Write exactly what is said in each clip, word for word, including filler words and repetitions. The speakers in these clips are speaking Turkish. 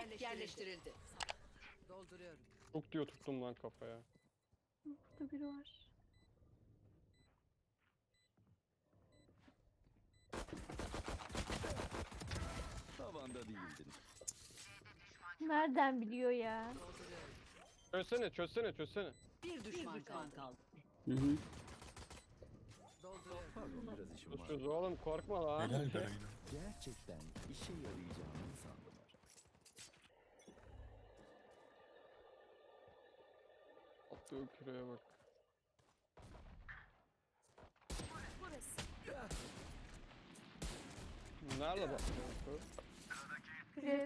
Spike yerleştirildi. Dolduruyorum. Çok diyor tuttum lan kafaya. Burada biri var. Tavanda değildin. Nereden biliyor ya? Dolduruyorum. Çözsene çözsene çözsene. Bir düşman kaldı. Hı hı. Dolduruyorum. Pardon biraz işim var. Çöz oğlum korkma lan. Helal be Reyna. Gerçekten işe yarayacağını sandılar. Attığı küreye bak. Nerede bak? Evet.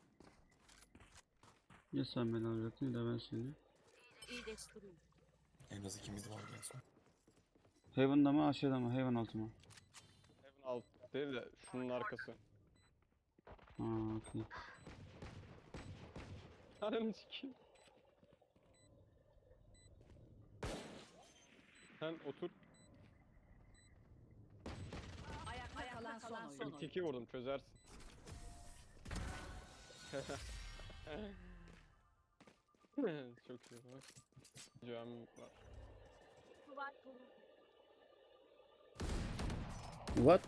Ya sen beni alacaktın ya da ben seni. İyileştireyim. En az ikimiz var en son. Heaven'da mı aşağıda mı? Heaven altı mı? Evin alt değil de şunun arkası. Ha okey. Ananı sikeyim. Sen otur. Ayakta kalan son Bir oyun. tiki vurdum çözersin. Çok iyi bak. Cami var. What?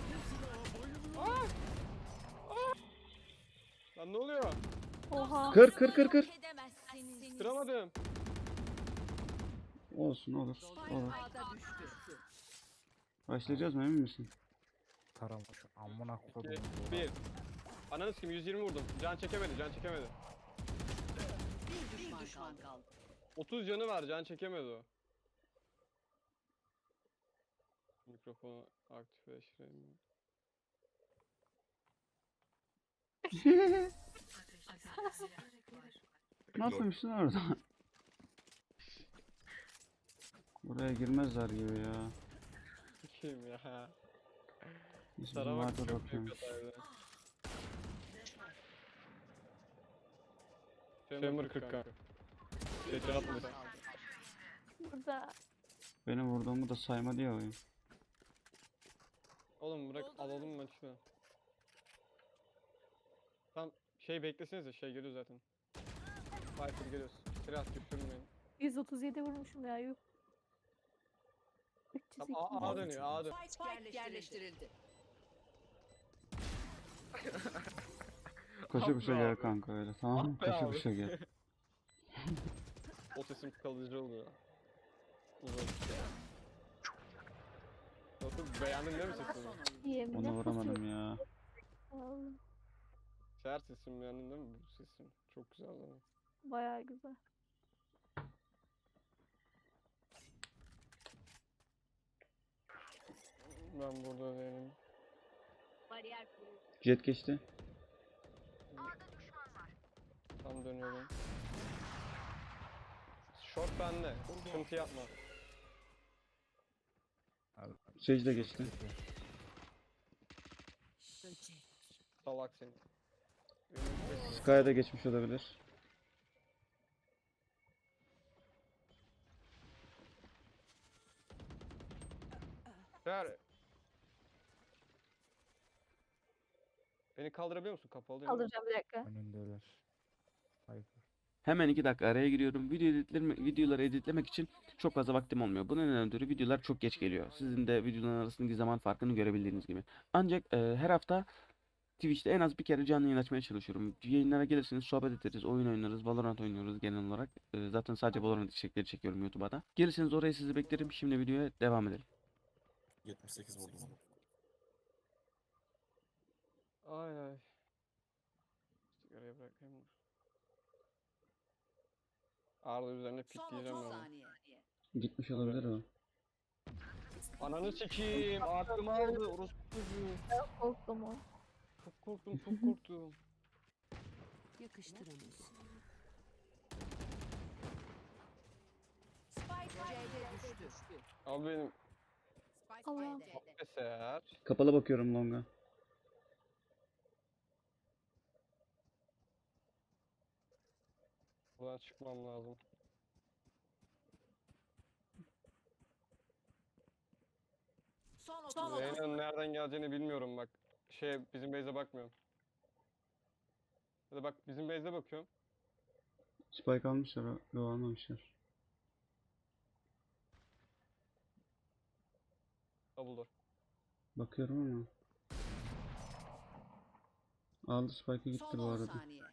Lan ne oluyor? Oha. Kır kır kır kır. Kıramadım. Olsun olur. Spike Olur. A'da düştü. Başlayacağız mı emin misin? Tarama şu amına kodum. iki, bir. Ananı sikeyim yüz yirmi vurdum. Can çekemedi, can çekemedi. Bir düşman, kaldı. otuz canı var, can çekemedi o. Mikrofonu aktifleştireyim. Ne yapmışsın orada? Buraya girmezler gibi ya. Kim ya? Neyse, Sana bizim bak arka çok büyük bakıyormuş. hataydı. Chamber kırk kanka. Geçen atmış. Burada. Benim vurduğumu da sayma diye oyun. Oğlum bırak alalım maçı. Tam şey beklesenize şey geliyor zaten. Viper geliyoruz. Silah düşürmeyin. yüz otuz yedi vurmuşum ya. Yuh. üç yüz Tamam A, A iki. dönüyor A dön. Spike yerleştirildi. Koşa Abi koşa gel abi. kanka öyle tamam mı? Abi Koşa abi. koşa gel. O sesim kalıcı oluyor. Uzun. Nasıl beğendin değil mi Kalan sesimi? son oyun. Yemin Onu vuramadım ya. Vallahi Şeher sesimi beğendin değil mi bu sesim? Çok güzel lan. bayağı güzel. Ben burada değilim. Jet geçti. Tam dönüyorum. Short bende. Sıkıntı yapma. Sage de geçti. Salak seni. Sky'a da geçmiş olabilir. Şeher. Beni kaldırabiliyor musun? Kapalı değil mi? Kaldıracağım bir dakika. Önündeler. Hayır. Hemen iki dakika araya giriyorum. Video editleme, videoları editlemek için çok fazla vaktim olmuyor. Bunun ötürü videolar çok geç geliyor. Sizin de videoların arasındaki zaman farkını görebildiğiniz gibi. Ancak e, her hafta Twitch'te en az bir kere canlı yayın açmaya çalışıyorum. Yayınlara gelirseniz sohbet ederiz, oyun oynarız, Valorant oynuyoruz genel olarak. E, zaten sadece Valorant içerikleri çekiyorum YouTube'a da. Gelirseniz oraya sizi beklerim. Şimdi videoya devam edelim. yetmiş sekiz vurdum. Ay ay. Sigarayı bırakayım. Arda üzerine Son pikleyeceğim otuz ben. saniye. Gitmiş olabilir o. Ananı sikeyim. Aklımı aldı. Orospu çocuğu. Korktum o. Çok korktum çok korktum. Yakıştıramıyorsun. Spike C'de düştü. Abi benim Spike Allah'ım. C'de. eser. Kapalı bakıyorum longa. Buradan çıkmam lazım. Son otuz. Zeynep'in nereden geleceğini bilmiyorum bak. Şey bizim base'e bakmıyorum. Ya da bak bizim base'e bakıyorum. Spike almışlar. ha- Yo almamışlar. Double door. Bakıyorum ama. Aldı Spike'a gitti Son bu on arada. saniye.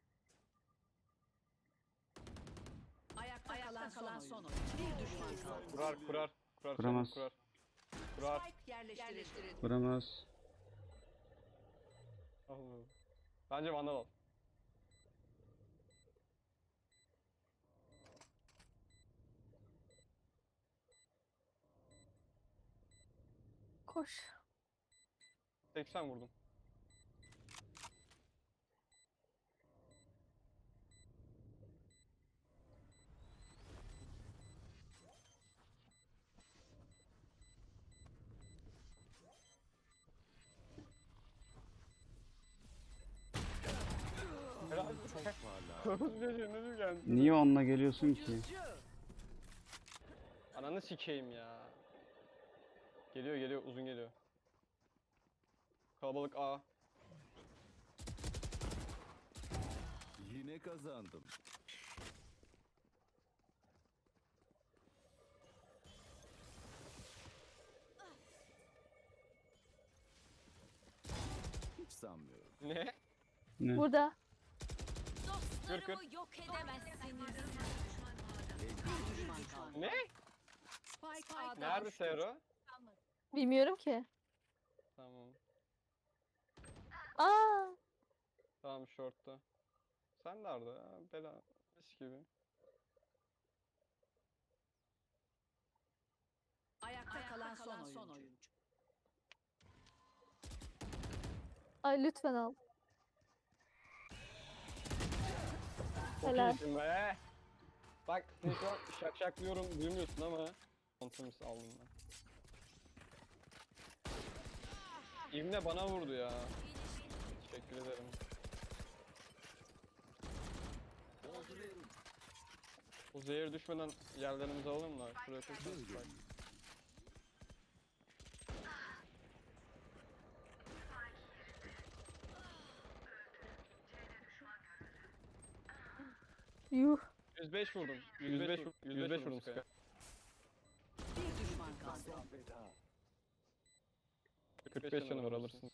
Ayakta, kalan, kalan son oyuncu. Bir düşman kaldı. Kurar kurar. Kurar Kuramaz. kurar. Kurar. Spike yerleştirildi. Vuramaz. Allah. Bence vandal al. Koş. seksen vurdum. Helal. Çok parlak. Çocuğu ne geldi? Niye onunla geliyorsun ki? Ananı sikeyim ya. Geliyor geliyor uzun geliyor. Kalabalık A. Yine kazandım. Hiç sanmıyorum. Ne? Ne? Burada. Kır kır. yok edemezsiniz. Bir düşman kaldı. Ne? Spike A'da Nerede düştü. Sero? Bilmiyorum ki. Tamam. Aa. Tamam short'ta. Sen nerede ya? Bela. Mis gibi. Ayakta kalan son oyuncu. Ay lütfen al. Çok Helal. iyisin be. Bak seni şu an şakşaklıyorum duymuyorsun ama. Kontrolümüz aldım ben. İbne bana vurdu ya. Teşekkür ederim. O zehir düşmeden yerlerimizi alalım da. Şuraya koyacağız. Bak. Yuh. yüz beş vurdum. yüz beş vurdum. yüz beş vurdum. Sky. Bir düşman kaldı. kırk beş canı var alırsın.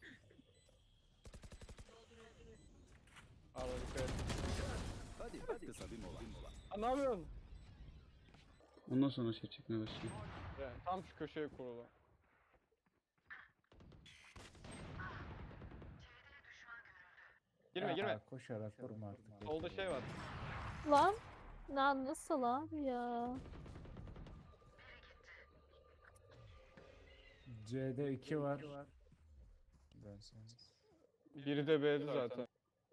Al dikkat et. Hadi kısa bir mola. Aa, ne yapıyorsun? Ondan sonra şey çekmeye başlıyor. Yani tam şu köşeye kurulu. Girme Ya, girme. Koşarak vurma artık. Solda şey var. Lan. Lan nasıl abi ya? C'de iki var. Dönseniz. Biri de B'di zaten.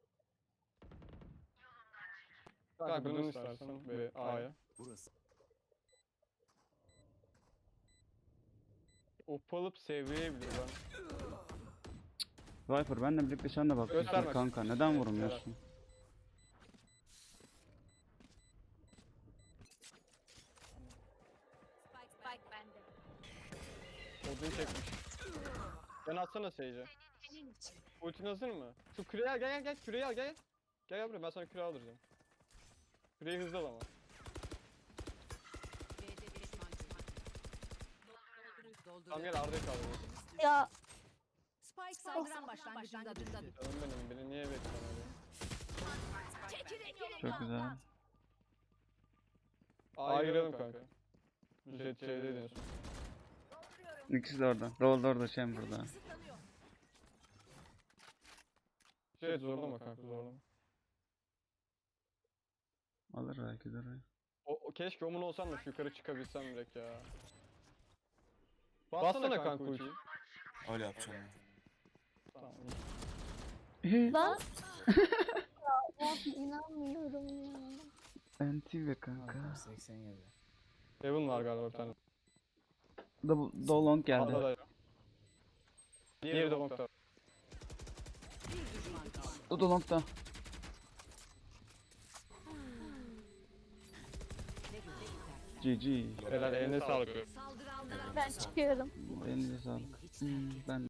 Kanka dön istersen B, A'ya. Burası. Upalıp seviyebilir ben. Viper benle birlikte sen de bak. Gösterme. Kanka neden vurmuyorsun? Spike bende. Odin çekmiş. Ben atsana Sage'e. Ultin hazır mı? Şu küreyi al gel gel gel küreyi al gel gel. Gel gel buraya ben sana küre aldıracağım. Küreyi hızlı al ama. B'de düşman kaldı. Tamam gel Arda'yı kaldır. Ya Spike saldıran başlangıcında düştü. Canım benim beni niye beklemedi? Çok güzel. A'ya girelim kanka. Jet C'de deniyorsun. İkisi de orada. Roll da orada, Chamber'da. Jet zorlama kanka zorlama. Alır belki de orayı. O, o keşke omun olsam da şu yukarı çıkabilsem direkt ya. Bassana kanka ultiyi. Öyle yapacağım. Tamam. lan. Ya inanmıyorum ya. Anti ve kanka. seksen yedi. Heaven var galiba bir tane. Double, Dolong geldi. A'da da. Diğeri de long'da. Bir düşman kaldı. O Dolong da. G G. Helal eline sağlık. Saldıranlara Ben çıkıyorum. Elinize sağlık. Hmm, ben de.